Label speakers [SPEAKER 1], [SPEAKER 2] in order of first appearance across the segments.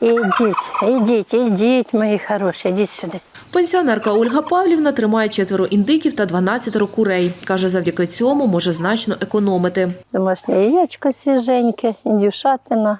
[SPEAKER 1] Ідіть, мої хороші, ідіть сюди.
[SPEAKER 2] Пенсіонерка Ольга Павлівна тримає 4 індиків та 12 курей. Каже, завдяки цьому може значно економити.
[SPEAKER 1] Домашнє яєчко свіженьке, індюшатина.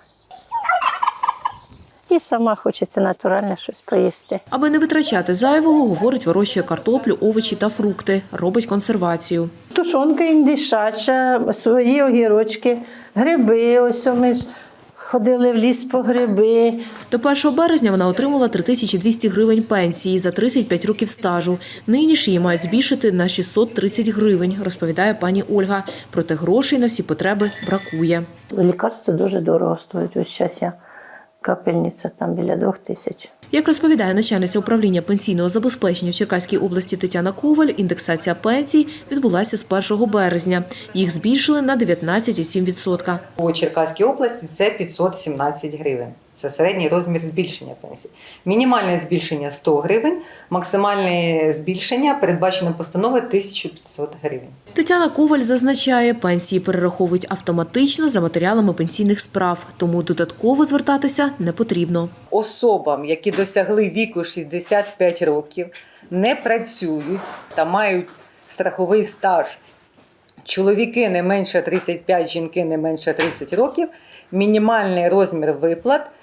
[SPEAKER 1] І сама хочеться натуральне щось поїсти.
[SPEAKER 2] Аби не витрачати зайвого, говорить, вирощує картоплю, овочі та фрукти. Робить консервацію.
[SPEAKER 1] Тушонка індишача, свої огірочки, гриби. Ось ми ж ходили в ліс по гриби.
[SPEAKER 2] До 1 березня вона отримала 3200 гривень пенсії за 35 років стажу. Нині ж її мають збільшити на 630 гривень, розповідає пані Ольга. Проте грошей на всі потреби бракує.
[SPEAKER 1] Лікарство дуже дорого стоїть. Ось зараз я капельниця там біля 2000.
[SPEAKER 2] Як розповідає начальниця управління пенсійного забезпечення в Черкаській області Тетяна Коваль, індексація пенсій відбулася з 1 березня. Їх збільшили на 19,7%.
[SPEAKER 3] У Черкаській області це 517 гривень. Це середній розмір збільшення пенсій. Мінімальне збільшення – 100 гривень, максимальне збільшення передбачено постановою 1500 гривень.
[SPEAKER 2] Тетяна Коваль зазначає, пенсії перераховують автоматично за матеріалами пенсійних справ, тому додатково звертатися не потрібно.
[SPEAKER 3] Особам, які досягли віку 65 років, не працюють та мають страховий стаж, чоловіки не менше 35, жінки не менше 30 років, мінімальний розмір виплат –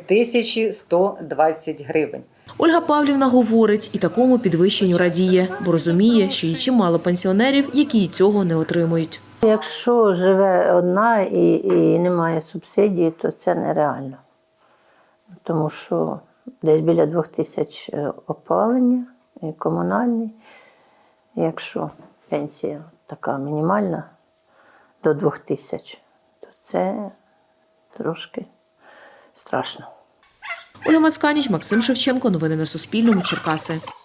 [SPEAKER 3] 3120 гривень.
[SPEAKER 2] Ольга Павлівна говорить, і такому підвищенню радіє, бо розуміє, що є чимало пенсіонерів, які цього не отримують.
[SPEAKER 1] Якщо живе одна і немає субсидії, то це нереально. Тому що десь біля 2000 опалення і комунальний. Якщо пенсія така мінімальна до 2000, то це трошки страшно.
[SPEAKER 2] Ольга Мацканіч, Максим Шевченко. Новини на Суспільному. Черкаси.